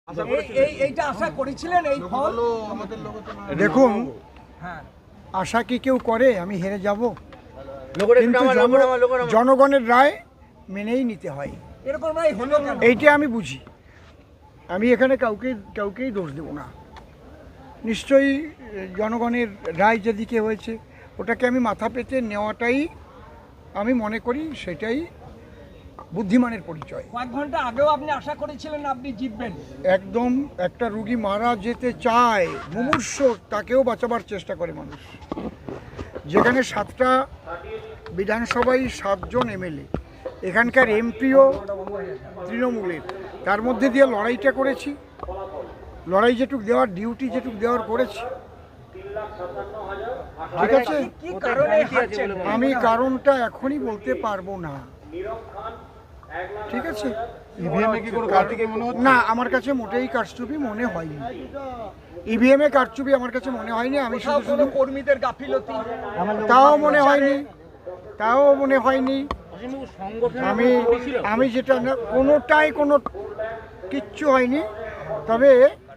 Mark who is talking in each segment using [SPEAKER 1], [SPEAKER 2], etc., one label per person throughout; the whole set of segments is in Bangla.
[SPEAKER 1] এইটা আশা করেছিলেন এই ফল?
[SPEAKER 2] দেখুন,
[SPEAKER 1] হ্যাঁ,
[SPEAKER 2] আশা কি কেউ করে আমি হেরে যাব? কিন্তু জনগণের রায় মেনেই নিতে হয়,
[SPEAKER 1] এরকম রায় হলো কেন?
[SPEAKER 2] এইটা আমি বুঝি। আমি এখানে কাউকেই দোষ দেব না। নিশ্চয়ই জনগণের রায় যেদিকে হয়েছে ওটাকে আমি মাথা পেতে নেওয়াটাই আমি মনে করি সেটাই বুদ্ধিমানের পরিচয়।
[SPEAKER 1] কয়েক ঘন্টা আগেও আপনি আশা করেছিলেন আপনি জিতবেন।
[SPEAKER 2] একদম, একটা রুগী মারা যেতে চায়, মুমূর্ষ, তাকেও বাঁচাবার চেষ্টা করে মানুষ। যেখানে 7টা বিধানসভায় 7 জন এমএলএ, এখানকার এমপিও তৃণমূলের, তার মধ্যে দিয়ে লড়াইটা করেছি। লড়াই যেটুক দেওয়ার, ডিউটি যেটুক দেওয়ার করেছি। ঠিক আছে,
[SPEAKER 1] কি কারণে হারছেন?
[SPEAKER 2] আমি কারণটা এখনই বলতে পারবো না। ঠিক আছে, না, আমার কাছে মোটেই কারচুপি মনে হয়নি। ইভিএমে কারচুপি আমার কাছে মনে হয়নি। আমি শুধু শুধু
[SPEAKER 1] কর্মীদের গাফিলতি
[SPEAKER 2] তাও মনে হয়নি। আমি যেটা না, কোনোটাই কিচ্ছু হয়নি। তবে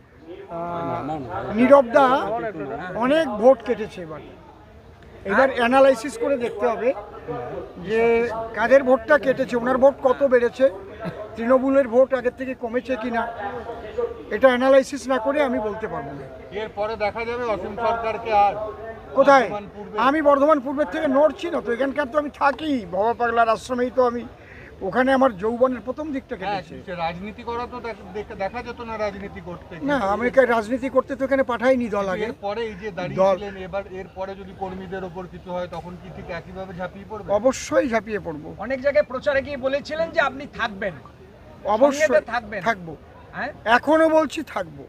[SPEAKER 2] নীরবদা অনেক ভোট কেটেছে। এবার অ্যানালাইসিস করে দেখতে হবে যে কাদের ভোটটা কেটেছে, ওনার ভোট কত বেড়েছে, তৃণমূলের ভোট আগের থেকে কমেছে কিনা, এটা অ্যানালাইসিস না করে আমি বলতে পারবো না।
[SPEAKER 3] এরপরে দেখা যাবে অসীম সরকারকে। আর
[SPEAKER 2] কোথায়? আমি বর্ধমান পূর্বের থেকে নড়ছি না তো, এখানকার তো আমি থাকি, বাবা পাগলার আশ্রমেই তো আমি, ওখানে আমার যৌবনের প্রথম দিকটা কেটেছে।
[SPEAKER 3] রাজনীতি করা তো দেখা যেত না, রাজনীতি করতে
[SPEAKER 2] না, আমি রাজনীতি করতে তো এখানে পাঠাইনি দল আগে।
[SPEAKER 3] এরপরে এই যে দাঁড়িয়েছিলেন, এবার এরপরে যদি কর্মীদের ওপর কিছু হয় তখন কি ঠিক একইভাবে ঝাঁপিয়ে পড়বে?
[SPEAKER 2] অবশ্যই ঝাঁপিয়ে পড়বো।
[SPEAKER 1] অনেক জায়গায় প্রচারে গিয়ে বলেছিলেন যে আপনি থাকবেন।
[SPEAKER 2] অবশ্যই
[SPEAKER 1] থাকবেন।
[SPEAKER 2] থাকবো,
[SPEAKER 1] হ্যাঁ,
[SPEAKER 2] এখনো বলছি থাকবো।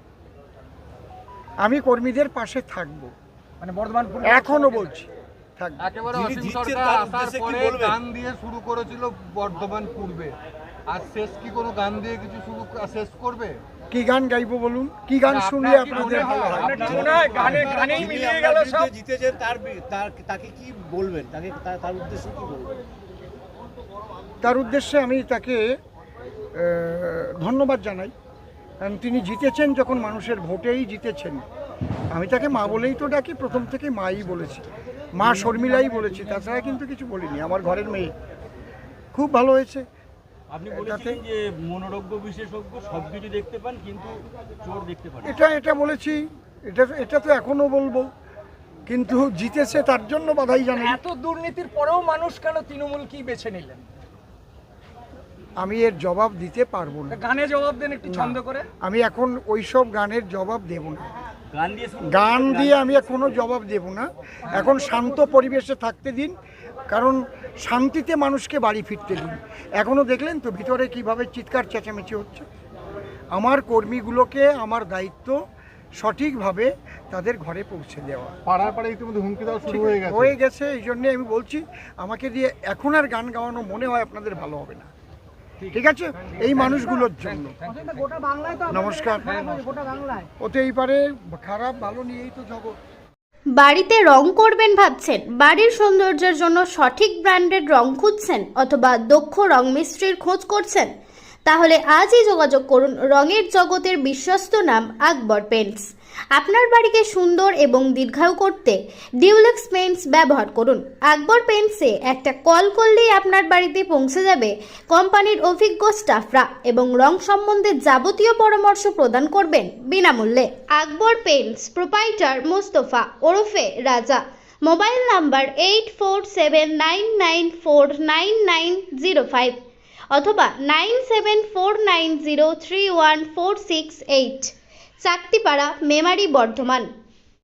[SPEAKER 2] আমি কর্মীদের পাশে থাকবো,
[SPEAKER 1] মানে বর্ধমান
[SPEAKER 2] এখনো বলছি থাকবো।
[SPEAKER 3] একেবারে অসীম সরকার আসার পরে গান দিয়ে শুরু করেছিল বর্ধমান পূর্বে, আর শেষ কি কোনো গান দিয়ে কিছু শেষ করবে?
[SPEAKER 2] কি গান গাইবো বলুন? কি গান শুনলে আপনাদের ভালো হয়?
[SPEAKER 1] গানেই মিলিয়ে গেল সব।
[SPEAKER 4] জিতেছেন, তাকে কি বলবেন? তার উদ্দেশ্যে কি বলবেন?
[SPEAKER 2] তার উদ্দেশ্যে আমি তাকে ধন্যবাদ জানাই, কারণ তিনি জিতেছেন যখন মানুষের ভোটেই জিতেছেন। আমি তাকে মা বলেই তো ডাকি, প্রথম থেকে মাই বলেছি, মা শর্মিলাই বলেছি, তাছাড়া কিন্তু কিছু বলিনি। আমার ঘরের মেয়ে খুব ভালো হয়েছে।
[SPEAKER 4] আপনি বলেছেন যে মনোরোগ্য বিশেষজ্ঞ সব কিছু দেখতে পান কিন্তু চোর দেখতে পান।
[SPEAKER 2] এটা বলেছি, এটা তো এখনো বলবো, কিন্তু জিতেছে তার জন্য বাধাই জানাই।
[SPEAKER 1] এত দুর্নীতির পরেও মানুষ কেন তৃণমূল কি বেছে নিলেন?
[SPEAKER 2] আমি এর জবাব দিতে পারবো না।
[SPEAKER 1] গানে জবাব দেন একটু ছন্দ করে।
[SPEAKER 2] আমি এখন ওইসব গানের জবাব দেব না। গান দিয়ে আমি কোনো জবাব দেব না। এখন শান্ত পরিবেশে থাকতে দিন, কারণ শান্তিতে মানুষকে বাড়ি ফিরতে দিন। এখনো দেখলেন তো ভিতরে কিভাবে চিৎকার চেঁচামেচি হচ্ছে। আমার কর্মীগুলোকে আমার দায়িত্ব সঠিকভাবে তাদের ঘরে পৌঁছে দেওয়া।
[SPEAKER 3] পাড়ায় পাড়ায় ইতিমধ্যে হুমকি দেওয়া শুরু
[SPEAKER 2] হয়ে গেছে। এই জন্যে আমি বলছি, আমাকে দিয়ে এখন আর গান গাওয়ানো মনে হয় আপনাদের ভালো হবে না। ঠিক আছে, এই মানুষগুলোর জন্য নমস্কার। হতেই পারে, খারাপ ভালো নিয়েই তো জগৎ।
[SPEAKER 5] বাড়িতে রং করবেন ভাবছেন? বাড়ির সৌন্দর্যের জন্য সঠিক ব্র্যান্ডের রং খুঁজছেন অথবা দক্ষ রং মিস্ত্রির খোঁজ করছেন? তাহলে আজই যোগাযোগ করুন রঙের জগতের বিশ্বস্ত নাম আকবর পেইন্টস। আপনার বাড়িকে সুন্দর এবং দীর্ঘায়ু করতে ডিউলেক্স পেইন্টস ব্যবহার করুন। আকবর পেইন্টসে একটা কল করলেই আপনার বাড়িতে পৌঁছে যাবে কোম্পানির অভিজ্ঞ স্টাফরা এবং রং সম্বন্ধে যাবতীয় পরামর্শ প্রদান করবেন বিনামূল্যে। আকবর পেইন্টস প্রোপাইটার মোস্তফা ওরফে রাজা। মোবাইল নাম্বার 8479949905 অথবা 9749031468। চাকতিপাড়া, মেমারি, বর্ধমান।